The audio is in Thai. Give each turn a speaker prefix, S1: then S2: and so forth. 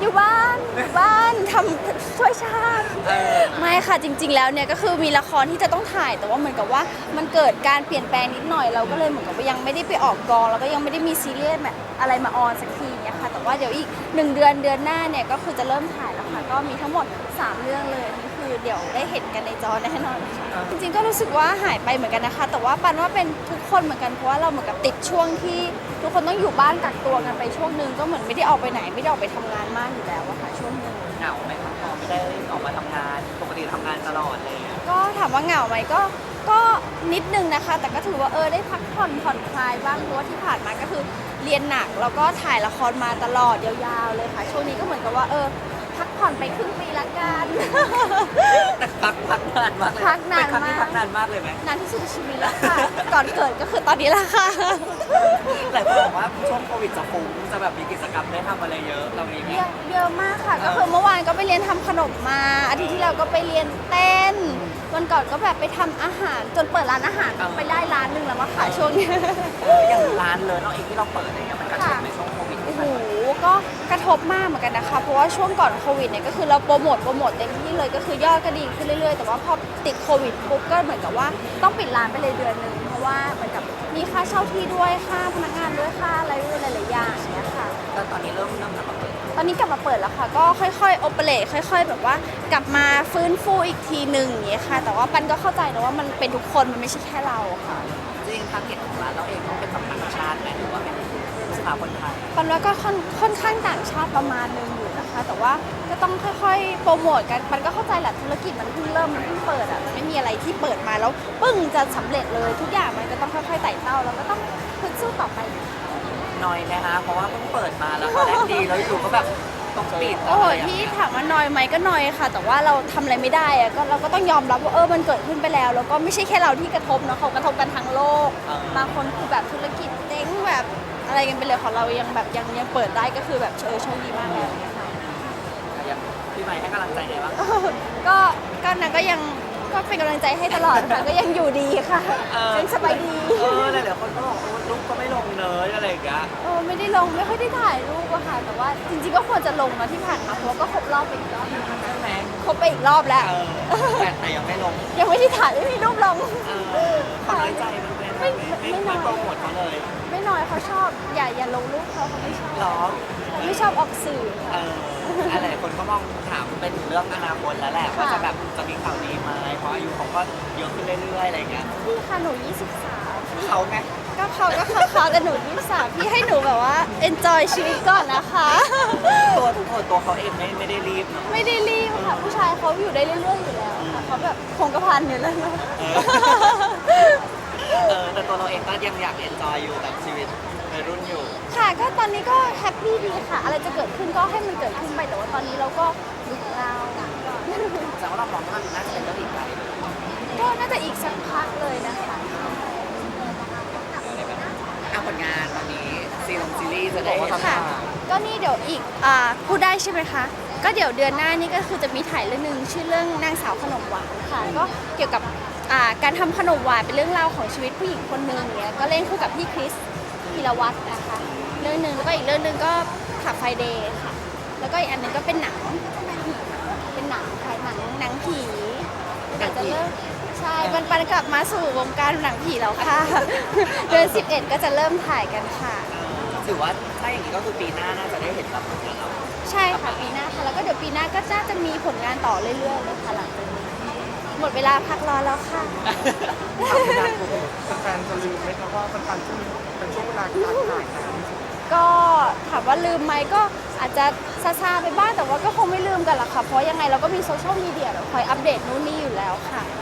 S1: อยู่บ้านทำช่วยชาติไม่ค่ะจริงๆแล้วเนี่ยก็คือมีละครที่จะต้องถ่ายแต่ว่าเหมือนกับว่ามันเกิดการเปลี่ยนแปลงนิดหน่อยเราก็เลยเหมือนกับว่ายังไม่ได้ไปออกกองแล้วก็ยังไม่ได้มีซีรีส์แบบอะไรมาออนสักทีเนี่ยค่ะแต่ว่าเดี๋ยวอีก1 เดือนหน้าเนี่ยก็คือจะเริ่มถ่ายแล้วค่ะก็มีทั้งหมด3 เรื่องเลยนี่คือเดี๋ยวได้เห็นกันในจอแน่นอนค่ะจริงๆก็รู้สึกว่าหายไปเหมือนกันนะคะแต่ว่าปันว่าเป็นทุกคนเหมือนกันเพราะว่าเราเหมือนกับติดช่วงที่ทุกคนต้องอยู่บ้านกักตัวกันไปช่วงนึงก็เหมือนไม่ได้ออกไปไหนไม่ได้ออกไปทำงานมากอยู่แล้วอะค่ะช่วงนึง
S2: เหงาไหมครับพอไม่ได้ออกมาทำงานปกติทำงานตลอดเลย
S1: ก็ถามว่าเหงาไหมก็นิดนึงนะคะ แต่ก็ถือว่าได้พักผ่อนคลายบ้างเพราะว่าที่ผ่านมาก็คือเรียนหนักแล้วก็ถ่ายละครมาตลอดยาวๆเลยค่ะช่วงนี้ก็เหมือนกับว่าพักผ่อนไปครึ่งปีละกัน
S2: แต่พักนานมากเลย
S1: พักนาน
S2: เป็นครั้งที่
S1: มาก
S2: พักนานมากเลยไหม
S1: นานที่สุดในชีวิตแล้วค่ะ ก่อนเกิดก็คือตอนนี้ละค่ะ
S2: หลายคนบอกว่าช่วงโควิดจะฟุ้งจะแบบมีกิจกรรมได้ทำอะไรเยอะเรามีไหม
S1: เยอะมากค่ะก็คือเมื่อวานก็ไปเรียนทำขนมมาอาทิตย์ที่แล้วก็ไปเรียนเต้นวันก่อนก็แบบไปทำอาหารจนเปิดร้านอาหารไปได้ร้านหนึ่งแล้วมาขายช่วงนี้
S2: อย่างร้านเลยเนาะเองที่เราเปิดอะไรเงี้ยมันกระทบในช่วงโควิด
S1: โอ้โหก็กระทบมากเหมือนกันนะคะเพราะว่าช่วงก่อนโควิดเนี่ยก็คือเราโปรโมทเต็มที่เลยก็คือยอดก็ดีขึ้นเรื่อยๆแต่ว่าพอติดโควิดปุ๊บก็เหมือนกับว่าต้องปิดร้านไปเลยเดือนนึงเพราะว่าเหมือนกับมีค่าเช่าที่ด้วยค่าพนักงานด้วยค่าอะไรด้วยหลายๆอย่างเนี้ยค่ะ
S2: แต่ตอนนี้เริ่มกลับมาเปิด
S1: ตอนนี้กลับมาเปิดแล้วค่ะก็ค่อยๆโอเปเรตค่อย ๆ แบบว่ากลับมาฟื้นฟูอีกทีหนึ่งอย่างเงี้ยค่ะแต่ว่าปันก็เข้าใจนะว่ามันเป็นทุกคนมันไม่ใช่แค่เราค่ะ
S2: จริงทางเก็ตของร้านเราเองต้องเป็นแบบต่างชาติไหมหรือว่าเป็นสถาคนไทย
S1: ปันว่าก็ค่อนข้างต่างชาติประมาณนึงอยู่นะคะแต่ว่าก็ต้องค่อยๆโปรโมทกันปันก็เข้าใจแหละธุรกิจมันเพิ่งเริ่มมันเพิ่งเปิดอ่ะมันไม่มีอะไรที่เปิดมาแล้วปึ้งจะสำเร็จเลยทุกอย่างมันก็ต้องค่อยๆไต่เต้าแล้วก็ต้องพึ่สู้ต่อไป
S2: น้อยนะคะเพราะว่าเพิ่งเปิดมาแล้วตอนแรกดีแล้วอยู่ก็แบบต้องปิด
S1: โอ้โห
S2: อะไรอย่าง
S1: ที่
S2: เงี้ย
S1: ถามว่านอยไหมก็นอยค่ะ แต่ว่าเราทำอะไรไม่ได้อะก็เราก็ต้องยอมรับว่ามันเกิดขึ้นไปแล้วแล้วก็ไม่ใช่แค่เราที่กระทบเนาะเขากระทบกันทั้งโลกบางคนคือแบบธุรกิจเจ๊งแบบอะไรกันไปเลยของเรายังแบบยังเปิดได้ก็คือแบบโชคดีมากแล้วเนี่ยค่ะ
S2: อย่างพี่ใหม่ให้กำลังใจไงบ้าง
S1: ก็นางก็ยังก็เป็นกำลังใจให้ตลอดค่ะก็ยังอยู่ดีค่ะยังสบายดี
S2: หลายๆคนก็บอกลูกก็ไม่ลงเนยอะไรอย่างเงี้ย
S1: ไม่ได้ลงไม่ค่อยได้ถ่ายรูปอะค่ะแต่ว่าจริงๆก็ควรจะลงนะที่ผ่านมาเพราะว่าก็ครบรอบไปอีกรอบนึง
S2: ใช่ไหม
S1: ครบไปอีกรอบแล้ว
S2: แต่ยังไม่ลง
S1: ยังไม่ได้ถ่ายไม่มีรูปลง
S2: เขาน้อยใจมันเป็นไม่โปรโมทเขาเลย
S1: ไม่น้อยเขาชอบอย่าลงรูปเขาไม่ชอบ
S2: หรอ
S1: เขาไม่ชอบออกสื่อค่ะ
S2: หลายคนก็มองถามเป็นเรื่องอนาคตแล้วแหละว่าจะแบบจะมีข่าวดีไหมเพราะอายุเขาก็เยอะขึ้นเรื่อยๆอะไรเงี้ย
S1: พี่ค่ะหนู23
S2: เขาไง
S1: ก็เขาแต่หนู23พี่ให้หนูแบบว่า enjoy ชีวิตก่อนนะคะ
S2: ตัวเขาเองไม่ได้รีบเนาะ
S1: ไม่ได้รีบค่ะผู้ชายเขาอยู่ได้เรื่อยๆอยู่แล้วค่ะเขาแบบคงกระพันอยู่แล้วนะ
S2: แต่ตัวเราเองก็ยังอยากเอนจอยอยู่กับชีวิตในรุ่นอยู่
S1: ค่ะก็ตอนนี้ก็แฮปปี้ดีค่ะ อะไรจะเกิดขึ้นก็ให้มันเกิดขึ้นไปแต่ว่าตอนนี้เราก็อยู่ของเรา
S2: แต่ว่าเรามองว่ามันน่าจะเป็นเรื่องอีกไกล
S1: ก็น่าจะอีกสักพักเลยนะคะ
S2: ผลงานตอนนี้ซีรีส์จะได้เห็น
S1: ค่ะก็นี่เดี๋ยวอีกพูดได้ใช่ไหมคะก็เดี๋ยวเดือนหน้านี่ก็คือจะมีถ่ายเรื่องนึงชื่อเรื่องนางสาวขนมหวานค่ะก็เกี่ยวกับการทำขนมหวานเป็นเรื่องราวของชีวิตผู้หญิงคนหนึ่งเนี้ยก็เล่นคู่กับพี่คริสธีรวัตรนะคะเรื่องนึงแล้วก็อีกเรื่องนึงก็ขับไฟเดย์ค่ะแล้วก็อีกอันนึงก็เป็นหนังค่ะหนังผีเดี๋ยวจะเริ่มใช่ปันกลับมาสู่วงการหนังผีแล้วค่ะ เดือน11ก็จะเริ่มถ่ายกันค่ะ
S2: ถือว่าถ้าอย่างนี้ก็คือปีหน้าน่าจะได้เห็นรับผลงานเรา
S1: ใช่ค่ะปีหน้าค่ะแล้วก็เดี๋ยวปีหน้าก็น่าจะมีผลงานต่อเรื่อยๆเลยค่ะหลังจากนี้หมดเวลาพักร้อนแล้วค่ะ
S3: แฟนๆจะลืมไหมครับว่ามันเป็นช่วงเวลาการถ่ายหนัง
S1: ก็ถามว่าลืมไหมก็อาจจะซาๆไปบ้างแต่ว่าก็คงไม่ลืมกันหรอกค่ะเพราะยังไงเราก็มีโซเชียลมีเดียเราคอยอัปเดตนู่นนี่อยู่แล้วค่ะ